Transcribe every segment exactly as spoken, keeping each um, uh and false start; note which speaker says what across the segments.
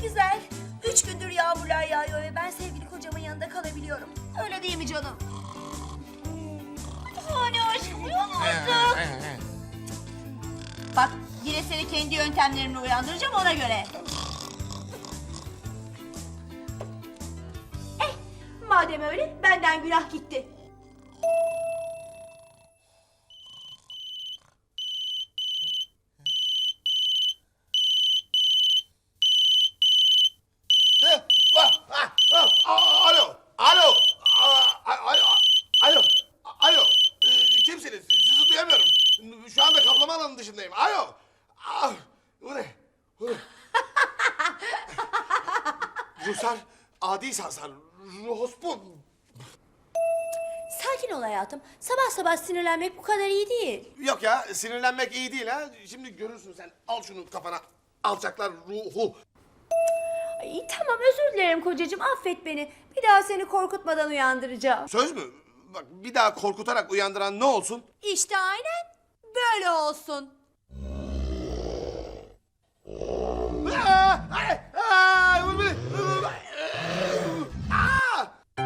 Speaker 1: güzel. Üç gündür yağmurlar yağıyor ve ben sevgili kocamın yanında kalabiliyorum. Öyle değil mi canım? Hani aşkım uyan artık. Bak yine seni kendi yöntemlerimle uyandıracağım ona göre. Eh madem öyle benden günah gitti.
Speaker 2: Heh, ah, ah, ah, Alo, alo, ah, alo, alo, alo. Ee, Kimsiniz? Sizi duyamıyorum. Şu anda kaplama alanının dışındayım. Alo. Ah, bu ne? Bu ne? Rusar, adi sansar, ruhospun.
Speaker 1: Sakin ol hayatım. Sabah sabah sinirlenmek bu kadar iyi değil.
Speaker 2: Yok ya, sinirlenmek iyi değil ha. Şimdi görürsün sen. Al şunu kafana. Alçaklar ruhu.
Speaker 1: Ay, tamam özür dilerim kocacığım affet beni. Bir daha seni korkutmadan uyandıracağım.
Speaker 2: Söz mü? Bak bir daha korkutarak uyandıran ne olsun?
Speaker 1: İşte aynen böyle olsun.
Speaker 2: Aa, ay, ay, vur beni. Aa!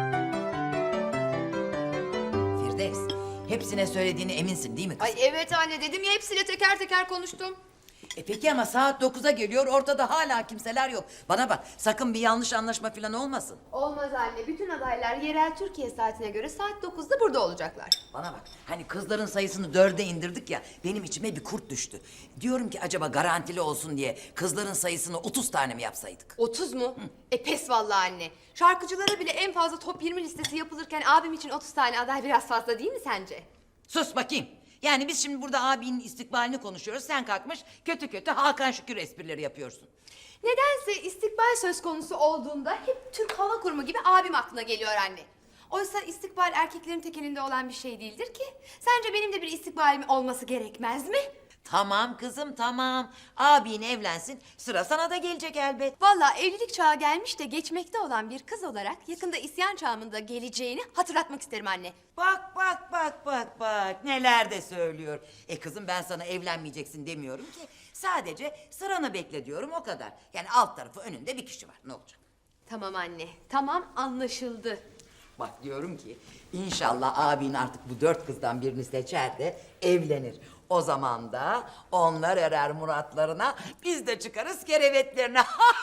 Speaker 3: Firdevs, hepsine söylediğini eminsin değil mi kız?
Speaker 4: Ay evet anne dedim ya hepsiyle teker teker konuştum.
Speaker 3: E peki ama saat dokuza geliyor, ortada hala kimseler yok. Bana bak, sakın bir yanlış anlaşma falan olmasın.
Speaker 4: Olmaz anne bütün adaylar yerel Türkiye saatine göre saat dokuzda burada olacaklar.
Speaker 3: Bana bak, hani kızların sayısını dörde indirdik ya, benim içime bir kurt düştü. Diyorum ki acaba garantili olsun diye kızların sayısını otuz tane mi yapsaydık?
Speaker 4: otuz mu? E pes vallahi anne. Şarkıcılara bile en fazla top yirmi listesi yapılırken abim için otuz tane aday biraz fazla değil mi sence?
Speaker 3: Sus bakayım. Yani biz şimdi burada abinin istikbalini konuşuyoruz, sen kalkmış kötü kötü Hakan Şükür esprileri yapıyorsun.
Speaker 4: Nedense istikbal söz konusu olduğunda hep Türk Hava Kurumu gibi abim aklına geliyor anne. Oysa istikbal erkeklerin tek elinde olan bir şey değildir ki. Sence benim de bir istikbalim olması gerekmez mi?
Speaker 3: Tamam kızım tamam. Abin evlensin, sıra sana da gelecek elbet.
Speaker 4: Vallahi evlilik çağı gelmiş de geçmekte olan bir kız olarak yakında isyan çağımın da geleceğini hatırlatmak isterim anne.
Speaker 3: Bak bak bak bak bak neler de söylüyor. E kızım ben sana evlenmeyeceksin demiyorum ki. Sadece sıranı bekle diyorum o kadar. Yani alt tarafı önünde bir kişi var, ne olacak?
Speaker 4: Tamam anne, tamam anlaşıldı.
Speaker 3: Bak diyorum ki inşallah abin artık bu dört kızdan birini seçer de evlenir. O zaman da onlar erer muratlarına, biz de çıkarız kerevetlerine.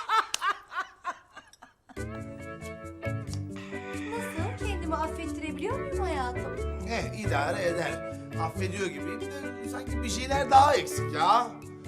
Speaker 1: Nasıl? Kendimi affettirebiliyor muyum hayatım?
Speaker 2: Eh idare eder. Affediyor gibiyim de sanki bir şeyler daha eksik ya.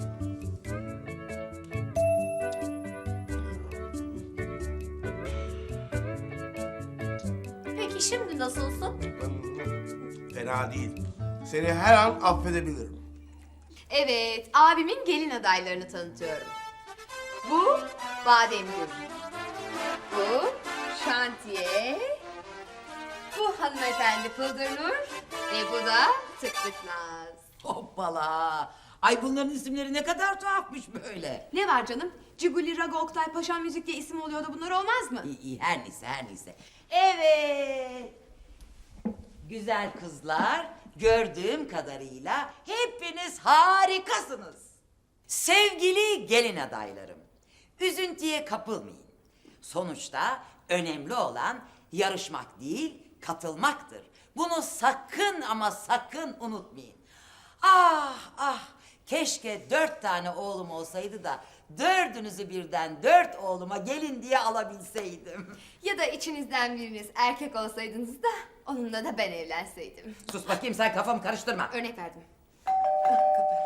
Speaker 1: Peki şimdi nasılsın?
Speaker 2: Fena değil. Seni her an affedebilirim.
Speaker 4: Evet, abimin gelin adaylarını tanıtıyorum. Bu Bademgül. Bu Şantiye. Bu hanımefendi Pıldırnur. Ve bu da Tık Tık Naz.
Speaker 3: Hoppala. Ay bunların isimleri ne kadar tuhafmış böyle.
Speaker 4: Ne var canım? Ciguli, Rago, Oktay, Paşam Müzik diye isim oluyor da bunlar olmaz mı?
Speaker 3: İyi iyi her neyse her neyse. Evet. Güzel kızlar, gördüğüm kadarıyla hepiniz harikasınız. Sevgili gelin adaylarım, üzüntüye kapılmayın. Sonuçta önemli olan yarışmak değil, katılmaktır. Bunu sakın ama sakın unutmayın. Ah ah, keşke dört tane oğlum olsaydı da dördünüzü birden dört oğluma gelin diye alabilseydim.
Speaker 4: Ya da içinizden biriniz erkek olsaydınız da onunla da ben evlenseydim.
Speaker 3: Sus bakayım sen, kafamı karıştırma.
Speaker 4: Örnek verdim. Ah, kapı.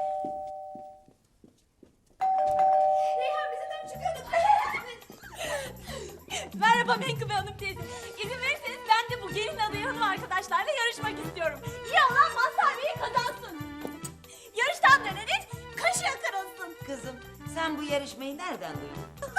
Speaker 4: Reyhan bize dön çıkıyorduk.
Speaker 5: Merhaba Menkıbe Hanım teyze. İzin verirseniz ben de bu gelin adayı hanım arkadaşlarla yarışmak istiyorum. İyi olan Mazhar Bey'i kazansın. Yarıştan döneriz, kaşığa kırılsın.
Speaker 3: Kızım sen bu yarışmayı nereden duydun?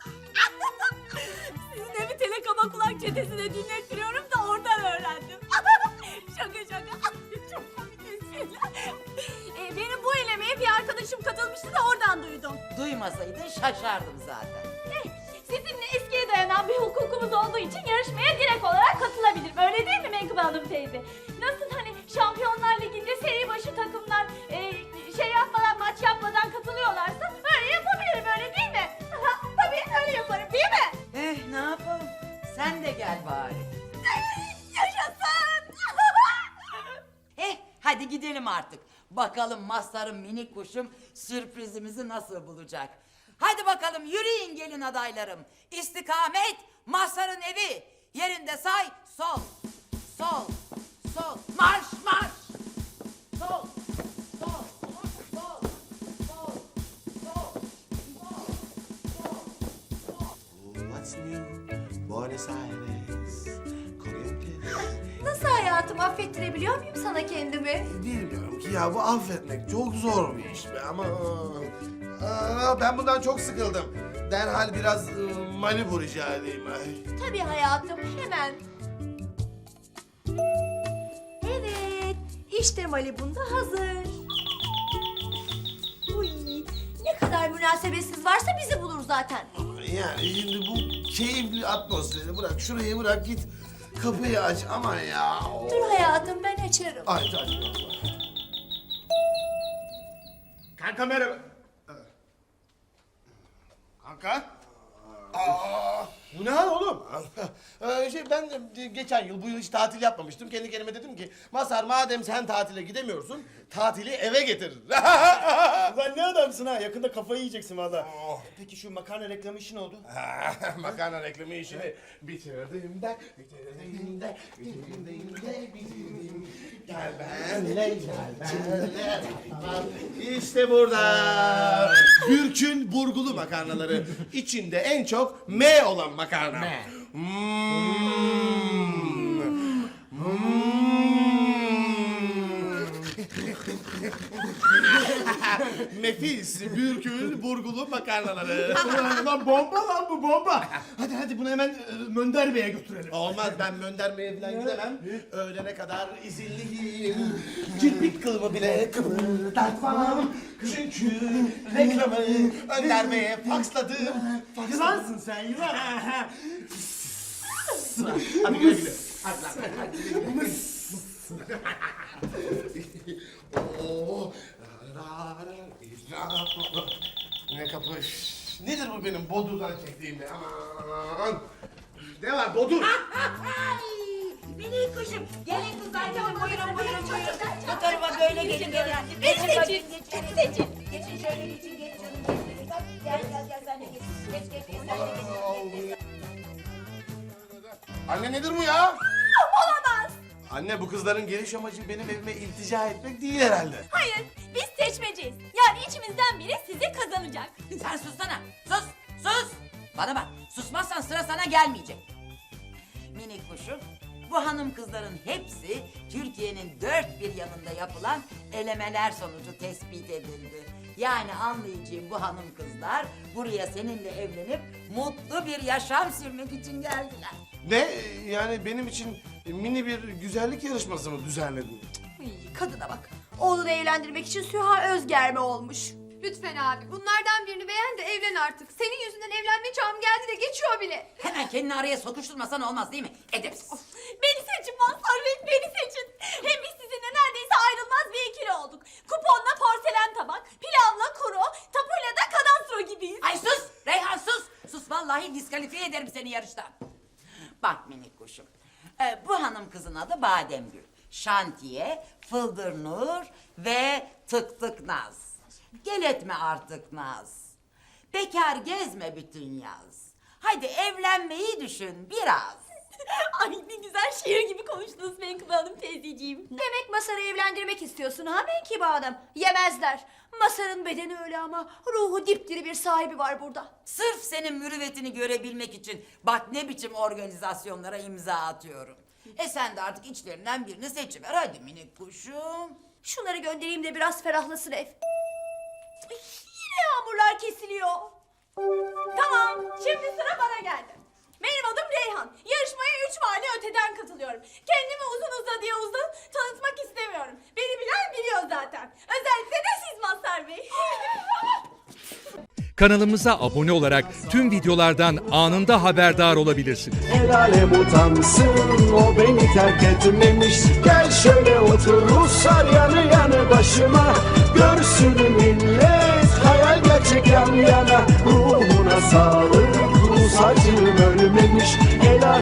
Speaker 5: Sizin evi telekaba kulak çetesine dinlettiriyorum da oradan öğrendim. şaka şaka. Çok komik espriler. Ee, benim bu elemeye bir arkadaşım katılmıştı da oradan duydum.
Speaker 3: Duymasaydın şaşardım zaten.
Speaker 5: Eh, sizinle eskiye dayanan bir hukukumuz olduğu için yarışmaya direkt olarak katılabilirim. Öyle değil mi Menkıbe Hanım teyze? Nasıl hani Şampiyonlar Ligi'nde seri başı takımlar e, şey yapmadan, maç yapmadan katılıyorlarsa öyle yapabilirim, öyle değil mi? Tabii öyle yapabilirim.
Speaker 3: gel bari.
Speaker 5: Yaşasın.
Speaker 3: Eh, hadi gidelim artık. Bakalım Mazhar'ın minik kuşum sürprizimizi nasıl bulacak. Hadi bakalım yürüyün gelin adaylarım. İstikamet Mazhar'ın evi. Yerinde say sol, sol, sol. Marş marş. Sol, sol, sol, sol, sol, sol, sol.
Speaker 2: What's new? Buenos Aires. Corrientes.
Speaker 1: Nasıl hayatım, affettirebiliyor muyum sana kendimi?
Speaker 2: Bilmiyorum ki ya, bu affetmek çok zor bir iş be ama... Aa, ben bundan çok sıkıldım. Derhal biraz e, Malibu rica edeyim. Ay.
Speaker 1: Tabii hayatım, hemen. Evet, işte Malibu'nda hazır. Uy, ne kadar münasebetsiz varsa bizi bulur zaten.
Speaker 2: Yani şimdi bu keyifli atmosferi bırak, şurayı bırak, git kapıyı aç ama ya.
Speaker 1: Dur hayatım, ben açarım.
Speaker 2: Aç aç. Kanka merhaba. Kanka. Aa, bu ne hal oğlum? Ee, şey, ben de geçen yıl bu yıl hiç tatil yapmamıştım. Kendi kendime dedim ki Mazhar, madem sen tatile gidemiyorsun, tatili eve getir.
Speaker 6: Ulan ne adamsın ha? Yakında kafayı yiyeceksin valla. Peki şu makarna reklamı işi ne oldu?
Speaker 2: Makarna reklamı işini bitirdim de, bitirdim de, bitirdim de, bitirdim. Gel benle, gel benle. İşte burada. Gürk'ün burgulu makarnaları. İçinde en çok M olan makarna. M. Nefis Bürkül burgulu makarnaları.
Speaker 6: Lan bomba lan bu bomba. Hadi hadi bunu hemen e, Mönder Bey'e götürelim.
Speaker 2: Olmaz, ben Mönderme'ye falan gidemem. Öğlene kadar izinliyim. Kirpik kılımı bile kıpırdatmam. Çünkü reklamı Önder Bey'e faksladım. Faksladım.
Speaker 6: Yılansın sen yılan.
Speaker 2: Hadi güle güle. Hadi lan, hadi güle güle. Oo. Ne kapış. Nedir bu benim Bodur'dan çektiğim be? Aman. Ne var Bodur?
Speaker 5: Minik kuşum. Gelin kızlar, gelin buyurun buyurun buyurun.
Speaker 3: Bu tarafa böyle gelin gelin.
Speaker 5: Beni seçin. Beni seçin.
Speaker 3: Geçin şöyle geçin geç canım. Gel gel gel sen de geç. Geç geç geç sen de geç.
Speaker 2: Anne nedir bu ya?
Speaker 5: Olamaz.
Speaker 2: Anne, bu kızların geliş amacı benim evime iltica etmek değil herhalde.
Speaker 5: Hayır, biz seçmeceyiz. Yani içimizden biri sizi kazanacak.
Speaker 3: Sen sussana. Sus sus. Bana bak, susmazsan sıra sana gelmeyecek. Minik kuşum, bu hanım kızların hepsi Türkiye'nin dört bir yanında yapılan elemeler sonucu tespit edildi. Yani anlayacağım, bu hanım kızlar buraya seninle evlenip mutlu bir yaşam sürmek için geldiler.
Speaker 2: Ne? Yani benim için mini bir güzellik yarışması mı düzenledin?
Speaker 1: Uy, kadına bak. Oğlunu evlendirmek için Süha Özgerme olmuş.
Speaker 4: Lütfen abi bunlardan birini beğen de evlen artık. Senin yüzünden evlenme çağım geldi de geçiyor bile.
Speaker 3: Hemen kendini araya sokuşturmasan olmaz değil mi? Edepsiz.
Speaker 5: Beni seçin Mazhar Bey, beni seçin. Hem biz sizinle neredeyse ayrılmaz bir ikili olduk. Kuponla porselen tabak, pilavla kuru, tapuyla da kadastro gibiyiz.
Speaker 3: Ay sus! Reyhan sus! Sus, vallahi diskalifiye ederim seni yarıştan. Bak minik kuşum, ee, bu hanım kızın adı Bademgül. Şantiye, Fıldır Nur ve Tık Tık Naz. Gel etme artık Naz. Bekar gezme bütün yaz. Hadi evlenmeyi düşün biraz.
Speaker 5: Ay ne güzel şiir gibi konuştunuz Menkıbe Hanım teyzeciğim.
Speaker 1: Demek Mazhar'ı evlendirmek istiyorsun ha Menkıbe Hanım? Yemezler. Mazhar'ın bedeni öyle ama ruhu dipdiri bir sahibi var burada.
Speaker 3: Sırf senin mürüvvetini görebilmek için bak ne biçim organizasyonlara imza atıyorum. E sen de artık içlerinden birini seçiver hadi minik kuşum.
Speaker 1: Şunları göndereyim de biraz ferahlasın ev. Ay, yine yağmurlar kesiliyor.
Speaker 5: Tamam, şimdi sıra bana geldi. Benim adım Reyhan. Yarışmaya üç mahalle öteden katılıyorum. Kendimi uzun uzadıya uzun tanıtmak istemiyorum. Beni bilen biliyor zaten. Özellikle de siz Mazhar Bey.
Speaker 7: Kanalımıza abone olarak tüm videolardan anında haberdar olabilirsiniz.
Speaker 8: El alem utansın, o beni terk etmemiş. Gel şöyle otur Ruslar yanı yanı başıma. Görsün millet hayal gerçek yan yana. Ruhuna sağlık, Rus acım ölmemiş. El